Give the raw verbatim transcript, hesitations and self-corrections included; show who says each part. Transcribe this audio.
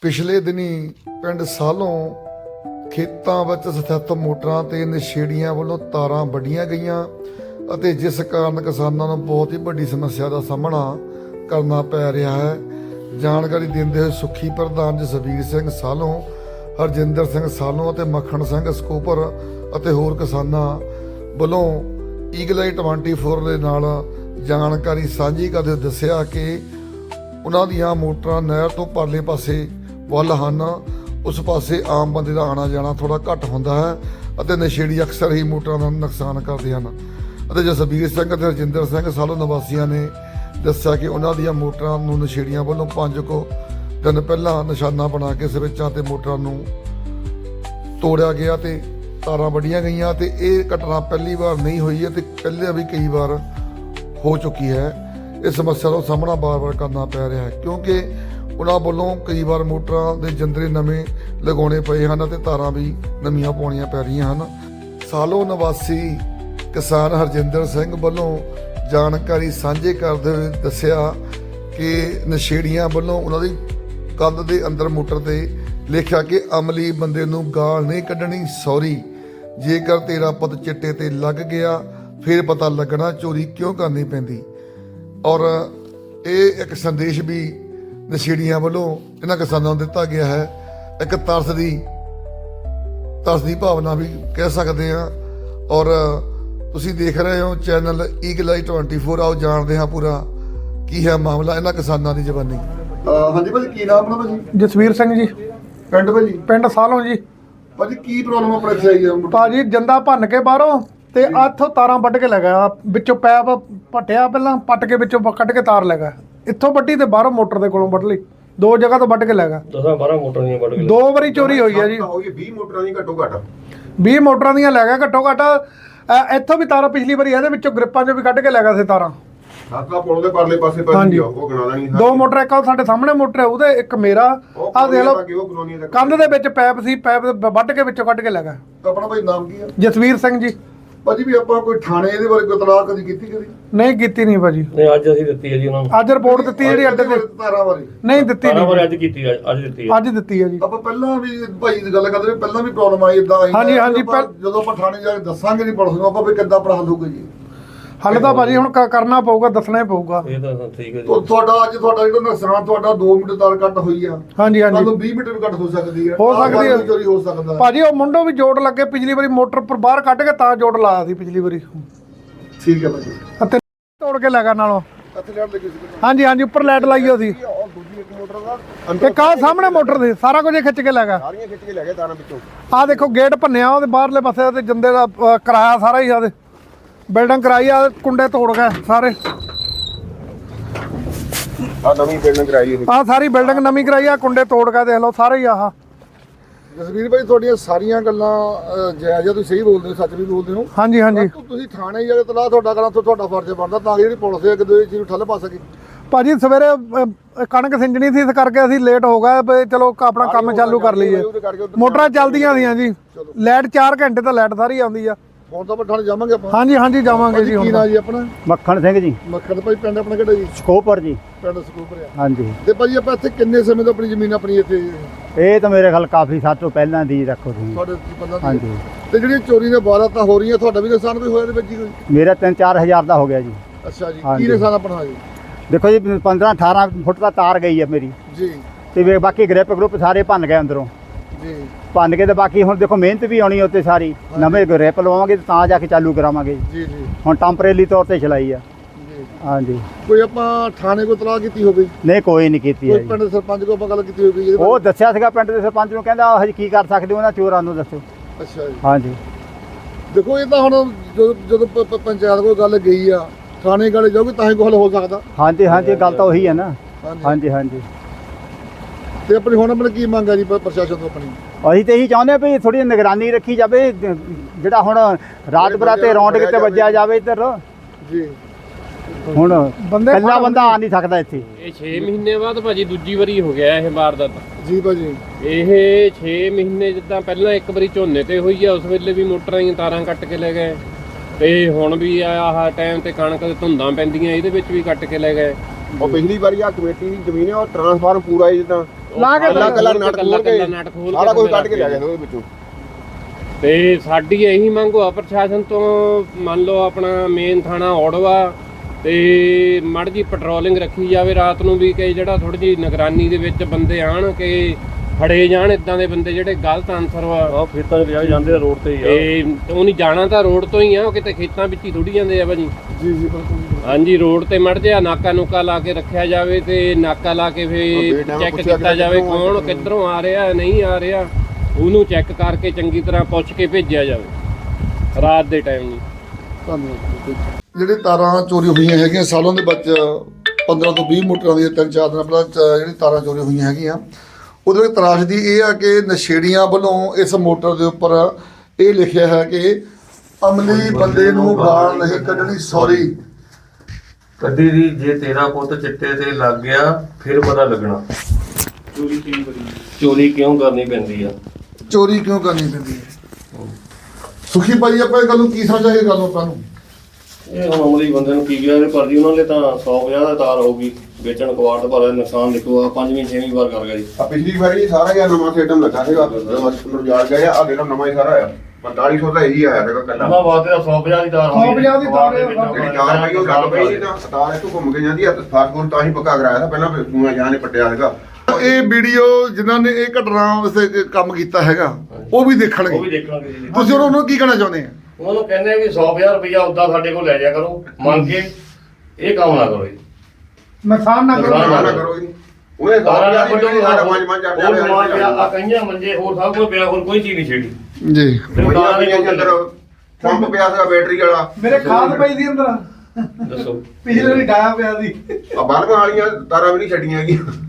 Speaker 1: ਪਿਛਲੇ ਦਿਨੀ ਪਿੰਡ ਸਾਲੋਂ ਖੇਤਾਂ ਵਿੱਚ ਸਥਿਤ ਮੋਟਰਾਂ ਤੇ ਨਸ਼ੇੜੀਆਂ ਵੱਲੋਂ ਤਾਰਾਂ ਵੱਢੀਆਂ ਗਈਆਂ ਅਤੇ ਜਿਸ ਕਾਰਨ ਕਿਸਾਨਾਂ ਨੂੰ ਬਹੁਤ ਹੀ ਵੱਡੀ ਸਮੱਸਿਆ ਦਾ ਸਾਹਮਣਾ ਕਰਨਾ ਪੈ ਰਿਹਾ ਹੈ। ਜਾਣਕਾਰੀ ਦਿੰਦੇ ਹੋਏ ਸੁੱਖੀ ਪ੍ਰਧਾਨ ਜਸਵੀਰ ਸਿੰਘ ਸਾਲੋਂ, ਹਰਜਿੰਦਰ ਸਿੰਘ ਸਾਲੋਂ ਅਤੇ ਮੱਖਣ ਸਿੰਘ ਸਕੂਪਰ ਅਤੇ ਹੋਰ ਕਿਸਾਨਾਂ ਵੱਲੋਂ ਈਗਲ ਆਈ ਚੌਬੀ ਦੇ ਨਾਲ ਜਾਣਕਾਰੀ ਸਾਂਝੀ ਕਰਦੇ ਹੋਏ ਦੱਸਿਆ ਕਿ ਉਹਨਾਂ ਦੀਆਂ ਮੋਟਰਾਂ ਨਹਿਰ ਤੋਂ ਪਰਲੇ ਪਾਸੇ ਵੱਲ ਹਨ। ਉਸ ਪਾਸੇ ਆਮ ਬੰਦੇ ਦਾ ਆਣਾ ਜਾਣਾ ਥੋੜਾ ਘੱਟ ਹੁੰਦਾ ਹੈ ਅਤੇ ਨਸ਼ੇੜੀ ਅਕਸਰ ਹੀ ਮੋਟਰਾਂ ਦਾ ਨੁਕਸਾਨ ਕਰਦੇ ਹਨ। ਅਤੇ ਜਸਵੀਰ ਸਿੰਘ ਅਤੇ ਹਰਜਿੰਦਰ ਸਿੰਘ ਸਾਲੋਂ ਨਿਵਾਸੀਆਂ ਨੇ ਦੱਸਿਆ ਕਿ ਉਹਨਾਂ ਦੀਆਂ ਮੋਟਰਾਂ ਨੂੰ ਨਸ਼ੇੜੀਆਂ ਵੱਲੋਂ ਪੰਜ ਕੁ ਦਿਨ ਪਹਿਲਾਂ ਨਿਸ਼ਾਨਾ ਬਣਾ ਕੇ ਸਵਿੱਚਾਂ ਤੇ ਮੋਟਰਾਂ ਨੂੰ ਤੋੜਿਆ ਗਿਆ ਤੇ ਤਾਰਾਂ ਵੱਢੀਆਂ ਗਈਆਂ ਤੇ ਇਹ ਘਟਨਾ ਪਹਿਲੀ ਵਾਰ ਨਹੀਂ ਹੋਈ ਹੈ ਤੇ ਪਹਿਲੇ ਵੀ ਕਈ ਵਾਰ ਹੋ ਚੁੱਕੀ ਹੈ। ਇਸ ਸਮੱਸਿਆ ਦਾ ਸਾਹਮਣਾ ਬਾਰ-ਬਾਰ ਕਰਨਾ ਪੈ ਰਿਹਾ ਹੈ ਕਿਉਂਕਿ ਉਹਨਾਂ ਵੱਲੋਂ ਕਈ ਵਾਰ ਮੋਟਰਾਂ ਦੇ ਜੰਦਰੇ ਨਵੇਂ ਲਗਾਉਣੇ ਪਏ ਹਨ ਅਤੇ ਤਾਰਾਂ ਵੀ ਨਵੀਆਂ ਪਾਉਣੀਆਂ ਪੈ ਰਹੀਆਂ ਹਨ। ਸਾਲੋਂ ਨਿਵਾਸੀ ਕਿਸਾਨ ਹਰਜਿੰਦਰ ਸਿੰਘ ਵੱਲੋਂ ਜਾਣਕਾਰੀ ਸਾਂਝੇ ਕਰਦੇ ਹੋਏ ਦੱਸਿਆ ਕਿ ਨਸ਼ੇੜੀਆਂ ਵੱਲੋਂ ਉਹਨਾਂ ਦੀ ਕੰਧ ਦੇ ਅੰਦਰ ਮੋਟਰ ਤੇ ਲਿਖਿਆ ਕਿ ਅਮਲੀ ਬੰਦੇ ਨੂੰ ਗਾਲ ਨਹੀਂ ਕੱਢਣੀ ਸੌਰੀ, ਜੇਕਰ ਤੇਰਾ ਪੁੱਤ ਚਿੱਟੇ ਤੇ ਲੱਗ ਗਿਆ ਫਿਰ ਪਤਾ ਲੱਗਣਾ ਚੋਰੀ ਕਿਉਂ ਕਰਨੀ ਪੈਂਦੀ। ਔਰ ਇਹ ਇੱਕ ਸੰਦੇਸ਼ ਵੀ ਨਸ਼ੇੜੀਆਂ ਵੱਲੋਂ ਇਹਨਾਂ ਕਿਸਾਨਾਂ ਨੂੰ ਦਿੱਤਾ ਗਿਆ ਹੈ। ਇੱਕ ਤਰਸ ਦੀ ਤਰਸ ਦੀ ਭਾਵਨਾ ਵੀ ਕਹਿ ਸਕਦੇ ਹਾਂ। ਔਰ ਤੁਸੀਂ ਦੇਖ ਰਹੇ ਹੋ ਚੈਨਲ ਈਗਲ ਆਈ ਚੌਬੀ। ਆਓ ਜਾਣਦੇ ਹਾਂ ਪੂਰਾ ਕੀ ਹੈ ਮਾਮਲਾ ਇਹਨਾਂ ਕਿਸਾਨਾਂ ਦੀ ਜ਼ਬਾਨੀ। ਹਾਂਜੀ ਭਾਜੀ, ਕੀ ਨਾਮ ਹੈ ਭਾਜੀ?
Speaker 2: ਜਸਵੀਰ ਸਿੰਘ ਜੀ।
Speaker 1: ਪਿੰਡ ਭਾਜੀ?
Speaker 2: ਪਿੰਡ ਸਾਲੋਂ ਜੀ।
Speaker 1: ਭਾਜੀ ਕੀ ਪ੍ਰੋਬਲਮ ਆਪਣੇ ਇੱਥੇ ਆਈ ਹੈ?
Speaker 2: ਭਾਜੀ ਜੰਦਾ ਭੰਨ ਕੇ ਬਾਹਰੋਂ ਤੇ ਇੱਥੋਂ ਤਾਰਾਂ ਵੱਢ ਕੇ ਲੈ ਗਿਆ, ਵਿੱਚੋਂ ਪੈਪ ਪੱਟਿਆ, ਪਹਿਲਾਂ ਪੱਟ ਕੇ ਵਿੱਚੋਂ ਕੱਢ ਕੇ ਤਾਰ ਲੈ ਗਿਆ। ਇੱਥੋਂ ਵੱਢੀ ਤੇ ਬਾਹਰੋਂ ਮੋਟਰ ਦੇ ਕੋਲੋਂ ਵੱਢ ਲਈ, ਦੋ ਜਗ੍ਹਾ ਤੋਂ ਵੱਢ ਕੇ ਲੈ ਗਿਆ।
Speaker 3: ਦਸਾਂ ਬਾਰਾਂ ਮੋਟਰਾਂ ਦੀਆਂ ਵੱਢ ਕੇ
Speaker 2: ਦੋ ਵਾਰੀ ਚੋਰੀ ਹੋਈ ਹੈ ਜੀ।
Speaker 4: ਵੀਹ ਮੋਟਰਾਂ ਦੀ ਘੱਟੋ ਘੱਟ
Speaker 2: ਵੀਹ ਮੋਟਰਾਂ ਦੀਆਂ ਲੈ ਗਿਆ ਘੱਟੋ ਘੱਟ। ਇੱਥੋਂ ਵੀ ਤਾਰਾਂ ਪਿਛਲੀ ਵਾਰੀ ਇਹਦੇ ਵਿੱਚੋਂ ਗ੍ਰਿਪਾਂ 'ਚੋਂ ਵੀ ਕੱਢ ਕੇ ਲੈ ਗਿਆ ਸੀ ਤਾਰਾਂ।
Speaker 4: ਸਾਕਾ ਪੁਲ ਦੇ ਪਰਲੇ ਪਾਸੇ ਪਾਸੇ ਉਹ ਗਣਾ ਲੈਣੀ।
Speaker 2: ਦੋ ਮੋਟਰ, ਇੱਕ ਸਾਡੇ ਸਾਹਮਣੇ ਮੋਟਰ ਹੈ ਉਹਦੇ, ਇੱਕ ਮੇਰਾ। ਆਹ ਦੇਖ ਲਓ ਕੰਧ ਦੇ ਵਿੱਚ ਪੈਪ ਸੀ, ਪੈਪ ਵੱਢ ਕੇ ਵਿੱਚੋਂ ਕੱਢ ਕੇ ਲੈ ਗਿਆ।
Speaker 1: ਆਪਣਾ ਭਾਈ ਨਾਮ ਕੀ ਹੈ?
Speaker 2: ਜਸਵੀਰ ਸਿੰਘ ਜੀ।
Speaker 1: ਭਾਜੀ ਵੀ ਆਪਾਂ ਕੋਈ ਥਾਣੇ ਇਹਦੇ ਬਾਰੇ ਕੋਈ ਤਲਾਕ ਕਦੀ ਕੀਤੀ ਕਦੀ?
Speaker 2: ਨਹੀਂ ਕੀਤੀ ਨਹੀਂ ਭਾਜੀ।
Speaker 3: ਨਹੀਂ ਅੱਜ ਅਸੀਂ ਦਿੱਤੀ ਹੈ ਜੀ ਉਹਨਾਂ ਨੂੰ।
Speaker 2: ਅੱਜ ਰਿਪੋਰਟ ਦਿੱਤੀ ਜਿਹੜੀ ਅੱਡੇ ਤੇ
Speaker 1: ਤਾਰਾਂ ਬਾਰੇ?
Speaker 2: ਨਹੀਂ ਦਿੱਤੀ
Speaker 3: ਤਾਰਾਂ ਬਾਰੇ
Speaker 2: ਨਹੀਂ,
Speaker 3: ਅੱਜ ਕੀਤੀ ਹੈ, ਅੱਜ ਦਿੱਤੀ ਹੈ।
Speaker 2: ਅੱਜ ਦਿੱਤੀ ਹੈ ਜੀ।
Speaker 1: ਆਪਾਂ ਪਹਿਲਾਂ ਵੀ ਭਾਈ ਦੀ ਗੱਲ ਕਰਦੇ ਪਹਿਲਾਂ ਵੀ ਪ੍ਰੋਬਲਮ ਆਈ ਇਦਾਂ ਆਈ।
Speaker 2: ਹਾਂਜੀ, ਹਾਂਜੀ,
Speaker 1: ਜਦੋਂ ਆਪਾਂ ਥਾਣੇ ਜਾ ਕੇ ਦੱਸਾਂਗੇ ਨਹੀਂ ਪੁਲਿਸ ਨੂੰ ਆਪਾਂ ਵੀ ਕਿੱਦਾਂ ਆਪਣਾ ਹੱਲ ਹੋਊਗਾ ਜੀ?
Speaker 2: ਹੱਲ ਤਾਂ ਭਾਜੀ ਹੁਣ ਕ- ਕਰਨਾ ਪਊਗਾ, ਦੱਸਣਾ ਹੀ ਪਊਗਾ।
Speaker 3: ਇਹ ਤਾਂ ਠੀਕ ਹੈ ਜੀ।
Speaker 1: ਤੋ ਤੁਹਾਡਾ ਅੱਜ ਤੁਹਾਡਾ ਜਿਹੜਾ ਨੁਕਸਾਨ ਤੁਹਾਡਾ ਦੋ ਮਿੰਟ ਤਾਰ ਕੱਟ ਹੋਈ ਆ,
Speaker 2: ਹਾਂਜੀ ਹਾਂਜੀ
Speaker 1: ਤੁਹਾਨੂੰ ਵੀਹ ਮਿੰਟ ਵੀ ਕੱਟ ਹੋ ਸਕਦੀ ਹੈ।
Speaker 2: ਹੋ ਸਕਦੀ ਹੈ।
Speaker 1: ਚੋਰੀ ਹੋ ਸਕਦਾ
Speaker 2: ਭਾਜੀ ਉਹ ਮੁੰਡੋ ਵੀ ਜੋੜ ਲੱਗੇ, ਪਿਛਲੀ ਵਾਰੀ ਮੋਟਰ ਪਰ ਬਾਹਰ ਕੱਢ ਕੇ ਤਾਂ ਜੋੜ ਲਾਇਆ ਸੀ ਪਿਛਲੀ ਵਾਰੀ।
Speaker 1: ਠੀਕ ਹੈ ਭਾਜੀ।
Speaker 2: ਅਤੇ ਤੋੜ ਕੇ ਲਗਾ ਨਾਲੋਂ।
Speaker 1: ਇੱਥੇ ਲੈਟ ਲੱਗੀ ਸੀ?
Speaker 2: ਹਾਂਜੀ ਹਾਂਜੀ ਉੱਪਰ ਲਾਈਟ ਲਾਈ ਹੋਈ ਸੀ।
Speaker 1: ਉਹ ਦੂਜੀ ਇੱਕ ਮੋਟਰ ਦਾ
Speaker 2: ਇੱਕ ਆਹ ਸਾਹਮਣੇ ਮੋਟਰ ਸੀ, ਸਾਰਾ ਕੁਝ ਖਿੱਚ ਕੇ ਲਗਾ।
Speaker 4: ਸਾਰੀਆਂ ਖਿੱਚ ਕੇ ਲੈ ਗਏ ਤਾਰਾਂ ਵਿੱਚੋਂ।
Speaker 2: ਆਹ ਦੇਖੋ ਗੇਟ ਭੰਨਿਆ ਉਹਦੇ ਬਾਹਰਲੇ ਪਾਸੇ ਤੇ ਜੰਦੇ ਦਾ ਅ, ਕਰਾਇਆ ਸਾਰਾ ਹੀ। ਆਦੇ ਬਿਲਡਿੰਗ ਕਰਾਈ ਆ, ਕੁੰਡੇ ਤੋੜ ਗਏ ਸਾਰੇ।
Speaker 4: ਆ ਨਵੀਂ ਬਿਲਡਿੰਗ ਕਰਾਈ ਇਹ।
Speaker 2: ਆਹ ਸਾਰੀ ਬਿਲਡਿੰਗ ਨਵੀਂ ਕਰਾਈ ਆ, ਕੁੰਡੇ ਤੋੜ ਗਏ ਦੇਖ ਲਓ ਸਾਰੇ ਹੀ। ਆਹ
Speaker 1: ਜਸਵੀਰ ਭਾਈ ਤੁਹਾਡੀਆਂ ਸਾਰੀਆਂ ਗੱਲਾਂ ਅ, ਜਾਇਜ਼ ਆ, ਤੁਸੀਂ ਸਹੀ ਬੋਲਦੇ ਹੋ, ਸੱਚ ਵੀ ਬੋਲਦੇ ਹੋ।
Speaker 2: ਹਾਂਜੀ ਹਾਂਜੀ
Speaker 1: ਪਰ ਤੁਸੀਂ ਥਾਣੇ ਜਾ ਕੇ ਤਲਾਹ ਤੁਹਾਡਾ ਕਰਾਂ ਤੋਂ ਤੁਹਾਡਾ ਫਰਜ਼ ਬਣਦਾ ਤਾਂ ਕਿ ਜਿਹੜੀ ਪੁਲਿਸ ਹੈ ਕਿਤੇ ਇਹ ਚੀਜ਼ ਨੂੰ ਠੱਲ ਪਾ ਸਕੇ।
Speaker 2: ਭਾਜੀ ਸਵੇਰੇ ਅ, ਕਣਕ ਸਿੰਜਣੀ ਸੀ, ਇਸ ਕਰਕੇ ਅਸੀਂ ਲੇਟ ਹੋ ਗਏ ਵੀ ਚਲੋ ਆਪਣਾ ਕੰਮ ਚਾਲੂ ਕਰ ਲਈਏ। ਮੋਟਰਾਂ ਚੱਲਦੀਆਂ ਦੀਆਂ ਜੀ, ਲਾਈਟ ਚਾਰ ਘੰਟੇ ਤਾਂ ਲਾਈਟ ਸਾਰੀ ਆਉਂਦੀ ਆ।
Speaker 1: ਹੁਣ ਤਾਂ ਆਪਾਂ ਥਾਣੇ ਜਾਵਾਂਗੇ ਆਪਾਂ।
Speaker 2: ਹਾਂਜੀ ਹਾਂਜੀ ਜਾਵਾਂਗੇ ਜੀ।
Speaker 1: ਕੀ
Speaker 2: ਹੁਣ
Speaker 1: ਨਾਂ ਜੀ ਆਪਣਾ?
Speaker 5: ਮੱਖਣ ਸਿੰਘ ਜੀ।
Speaker 1: ਮੱਖਣ ਭਾਈ ਪਿੰਡ ਆਪਣਾ ਕਿਹੜਾ ਜੀ?
Speaker 5: ਸਕੋਪਰ ਜੀ।
Speaker 1: ਪਿੰਡ ਸਕੂਪਰ ਆ।
Speaker 5: ਹਾਂਜੀ।
Speaker 1: ਤੇ ਭਾਜੀ ਆਪਾਂ ਇੱਥੇ ਕਿੰਨੇ ਸਮੇਂ ਤੋਂ ਆਪਣੀ ਜ਼ਮੀਨ ਆਪਣੀ ਇੱਥੇ
Speaker 5: ਇਹ ਤਾਂ ਮੇਰੇ ਖਿਆਲ ਕਾਫੀ ਸਾਲ ਤੋਂ ਪਹਿਲਾਂ ਦੀ ਰੱਖੋ ਤੁਸੀਂ।
Speaker 1: ਤੁਹਾਡੇ ਪਤਾ ਨਹੀਂ?
Speaker 5: ਹਾਂਜੀ।
Speaker 1: ਤੇ ਜਿਹੜੀਆਂ ਚੋਰੀ ਨੇ ਵਾਰਦਾਤਾਂ ਹੋ ਰਹੀਆਂ ਤੁਹਾਡਾ ਵੀ ਨੁਕਸਾਨ ਵੀ ਹੋਇਆ ਇਹਦੇ ਵਿੱਚ ਜੀ ਕੋਈ?
Speaker 5: ਮੇਰਾ ਤਿੰਨ ਚਾਰ ਹਜ਼ਾਰ ਦਾ ਹੋ ਗਿਆ ਜੀ।
Speaker 1: ਅੱਛਾ ਜੀ। ਕੀ
Speaker 5: ਹਾਂਜੀ।
Speaker 1: ਨੁਕਸਾਨ ਆਪਣਾ ਜੀ?
Speaker 5: ਦੇਖੋ ਜੀ ਪੰਦਰਾਂ ਅਠਾਰਾਂ ਫੁੱਟ ਦਾ ਤਾਰ ਗਈ ਹੈ ਮੇਰੀ
Speaker 1: ਜੀ
Speaker 5: ਤੇ ਵੇ ਬਾਕੀ ਗ੍ਰਿਪ ਗਰੁੱਪ ਸਾਰੇ ਭੰਨ ਗਏ ਅੰਦਰੋਂ।
Speaker 1: ਜੀ
Speaker 5: ਭੰਨ ਕੇ ਤੇ ਬਾਕੀ ਹੁਣ ਦੇਖੋ ਮਿਹਨਤ ਵੀ ਆਉਣੀ ਉੱਤੇ ਸਾਰੀ। ਨਵੇਂ ਗ੍ਰਿਪ ਲਵਾਵਾਂਗੇ ਤਾਂ ਜਾ ਕੇ ਚਾਲੂ ਕਰਾਵਾਂਗੇ।
Speaker 1: ਜੀ ਜੀ
Speaker 5: ਹੁਣ ਟੈਂਪਰੇਰੀ ਤੌਰ ਤੇ ਚਲਾਈ ਆ।
Speaker 1: ਜੀ।
Speaker 5: ਹਾਂਜੀ।
Speaker 1: ਕੋਈ ਆਪਾਂ ਥਾਣੇ ਕੋਲ ਤਲਾਹ ਕੀਤੀ ਹੋਵੇ?
Speaker 5: ਨਹੀਂ ਕੋਈ ਨਹੀਂ ਕੀਤੀ ਹੈ
Speaker 1: ਕੋਈ
Speaker 5: ਜੀ।
Speaker 1: ਪਿੰਡ ਦੇ ਸਰਪੰਚ ਕੋਲ ਆਪਾਂ ਗੱਲ ਕੀਤੀ ਹੋਵੇ ਇਹਦੇ
Speaker 5: ਉਹ ਦੱਸਿਆ ਸੀਗਾ ਪਿੰਡ ਦੇ ਸਰਪੰਚ ਨੂੰ, ਕਹਿੰਦਾ ਹਜੇ ਕੀ ਕਰ ਸਕਦੇ ਹੋ, ਉਹਨਾਂ ਚੋਰਾਂ ਨੂੰ ਦੱਸੋ।
Speaker 1: ਬਾਰੇ? ਅੱਛਾ ਜੀ।
Speaker 5: ਹਾਂਜੀ।
Speaker 1: ਦੇਖੋ ਇਹ ਤਾਂ ਹੁਣ ਜਦੋਂ ਜਦੋਂ ਪ- ਪ- ਪੰਚਾਇਤ ਕੋਲ ਗੱਲ ਗਈ ਆ, ਥਾਣੇ ਗਾਲੇ ਜਾਓਗੇ ਤਾਂ ਹੀ ਕੋਈ ਹੱਲ ਹੋ ਸਕਦਾ।
Speaker 5: ਹਾਂਜੀ ਹਾਂਜੀ ਗੱਲ ਤਾਂ ਉਹੀ ਹੈ ਨਾ। ਹਾਂਜੀ ਹਾਂਜੀ।
Speaker 1: ਤੇ ਆਪਣੀ ਹੁਣ ਆਪਣੀ ਕੀ ਮੰਗ ਆ ਜੀ ਪ- ਪ੍ਰਸ਼ਾਸਨ ਤੋਂ ਆਪਣੀ?
Speaker 5: ਅਸੀਂ ਤੇ ਇਹੀ ਚਾਹੁੰਦੇ ਆ ਵੀ ਥੋੜੀ ਨਿਗਰਾਨੀ ਰੱਖੀ ਜਾਵੇ, ਜਿਹੜਾ ਹੁਣ ਰਾਤ ਬਰਾਤੇ ਰੌਂਡ ਕਿਤੇ ਵੱਜਿਆ ਜਾਵੇ ਇੱਧਰ।
Speaker 1: ਜੀ।
Speaker 5: ਹੁਣ
Speaker 2: ਬੰਦੇ
Speaker 5: ਕੱਲਾ ਬੰਦਾ ਆ ਨਹੀਂ ਸਕਦਾ ਇੱਥੇ।
Speaker 3: ਇਹ ਛੇ ਮਹੀਨੇ ਬਾਅਦ ਭਾਜੀ ਦੂਜੀ ਵਾਰੀ ਹੋ ਗਿਆ ਇਹ ਵਾਰਦਾਤ।
Speaker 1: ਜੀ ਭਾਜੀ।
Speaker 3: ਇਹ ਛੇ ਮਹੀਨੇ ਜਿੱਦਾਂ ਪਹਿਲਾਂ ਇੱਕ ਵਾਰੀ ਝੋਨੇ ਤੇ ਹੋਈ ਆ, ਉਸ ਵੇਲੇ ਵੀ ਮੋਟਰਾਂ ਦੀਆਂ ਤਾਰਾਂ ਕੱਟ ਕੇ ਲੈ ਗਏ ਤੇ ਹੁਣ ਵੀ ਆਹ ਟਾਈਮ ਤੇ ਕਣਕ ਦੇ ਧੁੰਦਾਂ ਪੈਂਦੀਆਂ ਇਹਦੇ ਵਿੱਚ ਵੀ ਕੱਟ ਕੇ ਲੈ ਗਏ।
Speaker 4: ਉਹ ਪਿਛਲੀ ਵਾਰੀ ਆ ਕਮੇਟੀ ਦੀ ਜ਼ਮੀਨ ਹੈ, ਉਹ ਟਰਾਂਸਫਾਰਮ ਪੂਰਾ ਜਿੱਦਾਂ
Speaker 2: ਲਾ ਕੇ
Speaker 4: ਕੱਲਾ ਕੱਲਾ ਨਟ ਖੋਲ ਕੇ
Speaker 3: ਨਟ ਖੋਲ
Speaker 4: ਸਾਰਾ ਕੁਝ ਕੱਢ ਕੇ ਲੈ ਗਏ ਉਹਦੇ ਵਿੱਚੋਂ।
Speaker 3: ਤੇ ਸਾਡੀ ਇਹੀ ਮੰਗ ਆ ਪ੍ਰਸ਼ਾਸਨ ਤੋਂ, ਮੰਨ ਲਓ ਆਪਣਾ ਮੇਨ ਥਾਣਾ ਔੜਵਾ ਤੇ ਮੜ ਜੀ ਪੈਟਰੋਲਿੰਗ ਰੱਖੀ ਜਾਵੇ ਰਾਤ ਨੂੰ ਵੀ, ਕਿ ਜਿਹੜਾ ਥੋੜੀ ਜਿਹੀ ਨਿਗਰਾਨੀ ਦੇ ਵਿੱਚ ਬੰਦੇ ਆਣ ਕਿ ਫੜੇ ਜਾਣ ਇਦਾਂ ਦੇ ਬੰਦੇ ਜਿਹੜੇ ਗਲਤ ਆਨਸਰ ਵਾ।
Speaker 6: ਆਹ ਖੇਤਾਂ 'ਚ ਲਿਜਾਏ ਜਾਂਦੇ ਆ ਰੋਡ ਤੇ ਹੀ ਆ।
Speaker 3: ਤੇ ਉਹ ਨਹੀਂ ਜਾਣਾ ਤਾਂ ਰੋਡ ਤੋਂ ਹੀ ਆ, ਉਹ ਕਿਤੇ ਖੇਤਾਂ ਵਿੱਚ ਹੀ ਥੋੜੀ ਜਾਂਦੇ ਆ ਭਾਜੀ।
Speaker 2: ਜੀ ਜੀ ਬਿਲਕੁਲ।
Speaker 3: ਹਾਂਜੀ ਰੋਡ ਤੇ ਮੜ ਜਿਆ ਨਾਕਾ ਨੂਕਾ ਲਾ ਕੇ ਰੱਖਿਆ ਜਾਵੇ ਤੇ ਨਾਕਾ ਲਾ ਕੇ ਫੇ ਚੈੱਕ ਕੀਤਾ ਜਾਵੇ ਕੌਣ ਕਿੱਧਰੋਂ ਆ ਰਿਹਾ ਨਹੀਂ ਆ ਰਿਹਾ, ਉਹਨੂੰ ਚੈੱਕ ਕਰਕੇ ਚੰਗੀ ਤਰ੍ਹਾਂ ਪੁੱਛ ਕੇ ਭੇਜਿਆ ਜਾਵੇ ਰਾਤ ਦੇ ਟਾਈਮ ਨਹੀਂ।
Speaker 2: ਧੰਨਵਾਦ।
Speaker 1: ਜਿਹੜੇ ਤਾਰਾਂ ਚੋਰੀ ਹੋਈਆਂ ਹੈਗੀਆਂ ਸਾਲੋਂ ਦੇ ਵਿੱਚ ਪੰਦਰਾਂ ਤੋਂ ਵੀਹ ਮੋਟਰਾਂ ਦੀਆਂ ਤਿੰਨ ਚਾਰ ਦਿਨ ਪਹਿਲਾਂ ਚ- ਜਿਹੜੀ ਤਾਰਾਂ ਚੋਰੀ ਹੋਈਆਂ ਹੈਗੀਆਂ, ਉਹਦੇ ਵਿੱਚ ਤਰਾਸ਼ਦੀ ਇਹ ਆ ਕਿ ਨਸ਼ੇੜੀਆਂ ਵੱਲੋਂ ਇਸ ਮੋਟਰ ਦੇ ਉੱਪਰ ਇਹ ਲਿਖਿਆ ਹੈ ਕਿ ਅਮਲੀ ਬੰਦੇ ਨੂੰ ਗਾਲ ਨਹੀਂ ਕੱਢਣੀ ਸੌਰੀ।
Speaker 6: ਕੱਢੀ ਦੀ ਜੇ ਤੇਰਾ ਪੁੱਤ ਚਿੱਟੇ ਤੇ ਲੱਗ ਗਿਆ ਫਿਰ ਪਤਾ ਲੱਗਣਾ ਚੋਰੀ ਕਿਉਂ ਕਰੀ ਚੋਰੀ ਕਿਉਂ ਕਰਨੀ ਪੈਂਦੀ ਆ।
Speaker 1: ਚੋਰੀ ਕਿਉਂ ਕਰਨੀ ਪੈਂਦੀ ਹੈ? ਸੁਖੀ ਭਾਈ ਆਪਾਂ ਇਹ ਗੱਲ ਨੂੰ ਕੀ ਸਮਝਾਂ ਇਹ ਗੱਲ ਨੂੰ ਆਪਾਂ ਨੂੰ?
Speaker 6: ਇਹ ਹੁਣ ਅਮਲੀ ਬੰਦੇ ਨੂੰ ਕੀ ਗਿਆ ਪਰ ਜੀ ਉਹਨਾਂ ਨੇ ਤਾਂ ਸੌ ਪੰਜਾਹ ਦਾ ਤਾਰ ਹੋਊਗੀ ਵੇਚਣ ਕੁਆਰਟ ਭਰਿਆ ਨੁਕਸਾਨ ਦੇਖੋ ਆ ਪੰਜਵੀਂ ਛੇਵੀਂ ਵਾਰ ਕਰ ਗਿਆ ਜੀ।
Speaker 4: ਆ ਪਿਛਲੀ ਵਾਰੀ ਸਾਰਾ ਯਾਰ ਨਵਾਂ ਸਿਸਟਮ ਲੱਗਾ ਸੀਗਾ, ਨਵਾਂ ਰੁਝਾਨ ਗਿਆ ਆ ਦੇਖੋ ਨਵਾਂ ਹੀ ਸਾਰਾ ਆ ਪੰਤਾਲੀ ਸੌ ਦਾ ਇਹੀ ਆਇਆ ਸੀਗਾ ਕੱਲਾ।
Speaker 6: ਉਹਨਾਂ ਵਾਸਤੇ ਤਾਂ ਸੌ ਪੰਜਾਹ ਦੀ ਤਾਰ
Speaker 2: ਸੌ ਪੰਜਾਹ ਦੀ ਤਾਰ ਹੈ।
Speaker 4: ਜਿਹੜੀ ਚਾਰ ਪਈ ਉਹ ਲੱਗ ਪਈ ਸੀ ਤਾਂ ਤਾਰ ਇੱਥੋਂ ਘੁੰਮ ਕੇ ਜਾਂਦੀ ਆ, ਫਾਸਟਫੂਡ ਤਾਂ ਹੀ ਪੱਕਾ ਕਰਾਇਆ ਸੀ ਪਹਿਲਾਂ, ਦੂਆ ਜਾਨ ਨੇ ਪੱਟਿਆ ਸੀਗਾ।
Speaker 1: ਇਹ ਵੀਡੀਓ ਜਿਨ੍ਹਾਂ ਨੇ ਇਹ ਘਟਨਾ ਵਾਸਤੇ ਕੰਮ ਕੀਤਾ ਹੈਗਾ ਉਹ ਵੀ
Speaker 6: ਉਹ
Speaker 1: ਦੇਖਣਗੇ।
Speaker 6: ਵੀ ਦੇਖਾਂਗੇ ਜੀ।
Speaker 1: ਤੁਸੀਂ ਉਹਨਾਂ ਨੂੰ ਕੀ ਕਹਿਣਾ ਚਾਹੁੰਦੇ ਆ?
Speaker 6: ਉਹਨਾਂ ਨੂੰ ਕਹਿੰਦੇ ਆ ਵੀ ਸੌ ਪੰਜਾਹ ਰੁਪਈਆ ਉਦਾਂ ਸਾਡੇ ਕੋਲ ਲੈ ਜਾ ਕਰੋ ਮੰਗ ਕੇ, ਇਹ ਕੰਮ ਨਾ ਕਰੋ ਜੀ।
Speaker 2: ਨੁਕਸਾਨ ਨਾ ਕਰੋ।
Speaker 4: ਨਾ ਨਾ ਕਰੋ ਜੀ, ਉਹਨੇ
Speaker 6: ਤਾਰਾਂ
Speaker 4: ਸਾਰਾ
Speaker 6: ਨਾਲ
Speaker 4: ਨਹੀਂ ਸਾਡਾ ਪੰਜ ਪੰਜ ਚਾਰ
Speaker 6: ਉਹ ਸਮਾਨ ਪਿਆ
Speaker 4: ਚਾਰ
Speaker 6: ਆ ਕਈਆਂ ਮੰਜੇ ਹੋਰ ਸਭ ਕੁਝ ਪਿਆ, ਹੋਰ ਕੋਈ ਚੀਜ਼ ਨਹੀਂ ਛੇੜੀ।
Speaker 1: ਜੀ
Speaker 4: ਮਈਆਂ ਪਈਆਂ ਦੇ ਅੰਦਰ ਪੰਪ ਪਿਆ ਸੀਗਾ ਬੈਟਰੀ ਵਾਲਾ,
Speaker 2: ਮੇਰੇ ਖਾਦ ਪਈ ਦੀ ਅੰਦਰ
Speaker 6: ਦੱਸੋ
Speaker 2: ਪਿਛਲੇ ਵਾਰੀ ਡਾਇਆ ਪਿਆ ਸੀ।
Speaker 4: ਆ ਬਲਬਾਂ ਵਾਲੀਆਂ ਤਾਰਾਂ ਵੀ ਨਹੀਂ ਛੱਡੀਆਂ ਹੈਗੀਆਂ।